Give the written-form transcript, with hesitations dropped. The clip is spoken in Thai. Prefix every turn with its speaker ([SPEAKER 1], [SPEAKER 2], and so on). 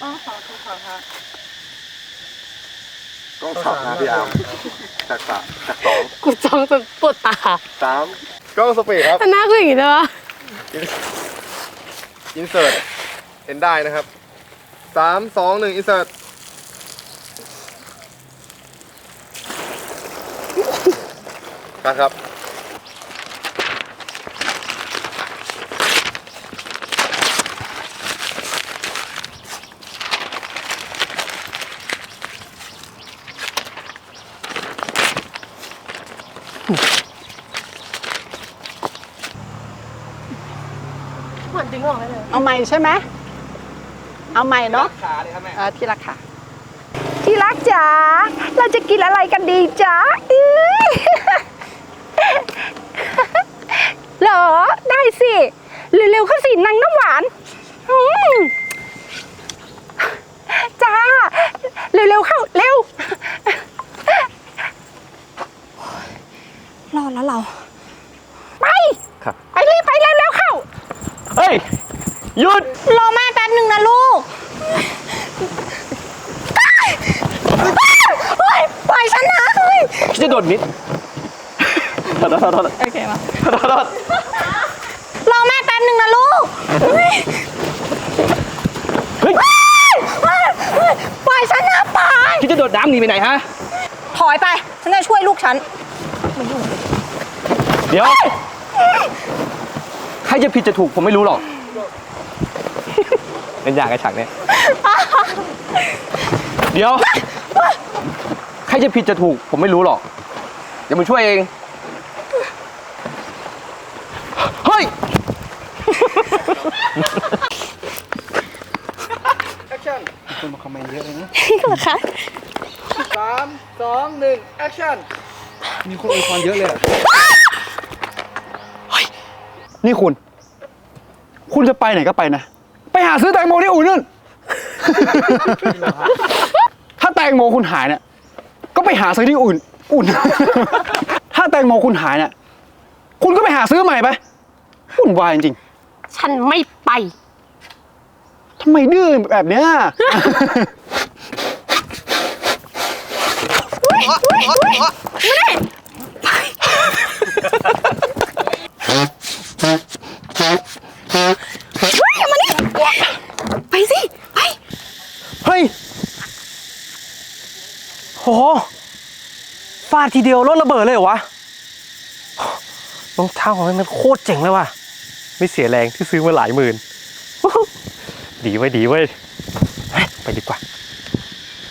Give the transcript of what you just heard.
[SPEAKER 1] อ๋อขอคุณขอค่ะ
[SPEAKER 2] กล้อง3นะพี่อาร์มจากสอง
[SPEAKER 3] กูจ้องจนปวดตา
[SPEAKER 2] 3กล้องสปีดครับ
[SPEAKER 3] หน้าคืออย่างนี้เลยวะ
[SPEAKER 2] อินเสิร์ตเห็นได้นะครับ3 2 1อินเสิร์ตครับ
[SPEAKER 3] เหมือนดึงออกได้เลย
[SPEAKER 1] เอาใหม่ใช่ไหมเอาใหม่เนาะ
[SPEAKER 2] ขาเลยครับแม่
[SPEAKER 1] ที่รักค่ะที่รักจ๋าเราจะกินอะไรกันดีจ๋าเหรอได้สิเร็วๆเข้าสินางน้ำหวานจ้าเร็วๆเข้าเร็วรอดแล้วเราไป
[SPEAKER 2] ครับ
[SPEAKER 1] ไปรีบไปเร็วๆเข้า
[SPEAKER 2] เฮ้ยหยุด
[SPEAKER 1] รอแม่แป๊บหนึ่งนะลูกปล่อยฉันนะเฮ้ย
[SPEAKER 2] จะโดดนิดโทษ
[SPEAKER 1] โอเคมา
[SPEAKER 2] โทษ
[SPEAKER 1] รอแม่แป๊บหนึ่งนะลูก
[SPEAKER 2] เฮ้ย
[SPEAKER 1] ปล่อยฉันนะปล่อย
[SPEAKER 2] คิดจะโดดน้ำหนีไปไหนฮะ
[SPEAKER 1] ถอยไป ฉันจะช่วยลูกฉัน
[SPEAKER 4] เดี๋ยว ใครจะผิดจะถูกผมไม่รู้หรอก เป็นอย่างไอ้ฉากเนี้ยเดี๋ยว ใครจะผิดจะถูกผมไม่รู้หรอก เดี๋ยวมึงช่วยเอง เฮ้ย
[SPEAKER 2] แอคชั่น
[SPEAKER 4] คนมาคอมเมนต์เยอะเลยนะ
[SPEAKER 1] ก็เหรอคะ
[SPEAKER 2] 3 2 1แอคชั่น
[SPEAKER 4] มีคนอวยพรเยอะเลยนี่คุณจะไปไหนก็ไปนะ ไปหาซื้อแตงโมที่อู่นู่น ถ้าแตงโมคุณหายเนี่ย ก็ไปหาซื้อที่อุ่น ถ้าแตงโมคุณหายเนี่ย คุณก็ไปหาซื้อใหม่ไปวุ่นวายจริง
[SPEAKER 3] ฉันไม่ไป
[SPEAKER 4] ๆทำไมดื้อแบบเนี้ย
[SPEAKER 3] ไปสิ ไป
[SPEAKER 4] เฮ้ยโหฟาดทีเดียวรถระเบิดเลยเหรอวะรองเท้าของมันโคตรเจ๋งเลยว่ะ ไม่เสียแรงที่ซื้อมาหลายหมื่น ดีเว้ย ไปดีกว่า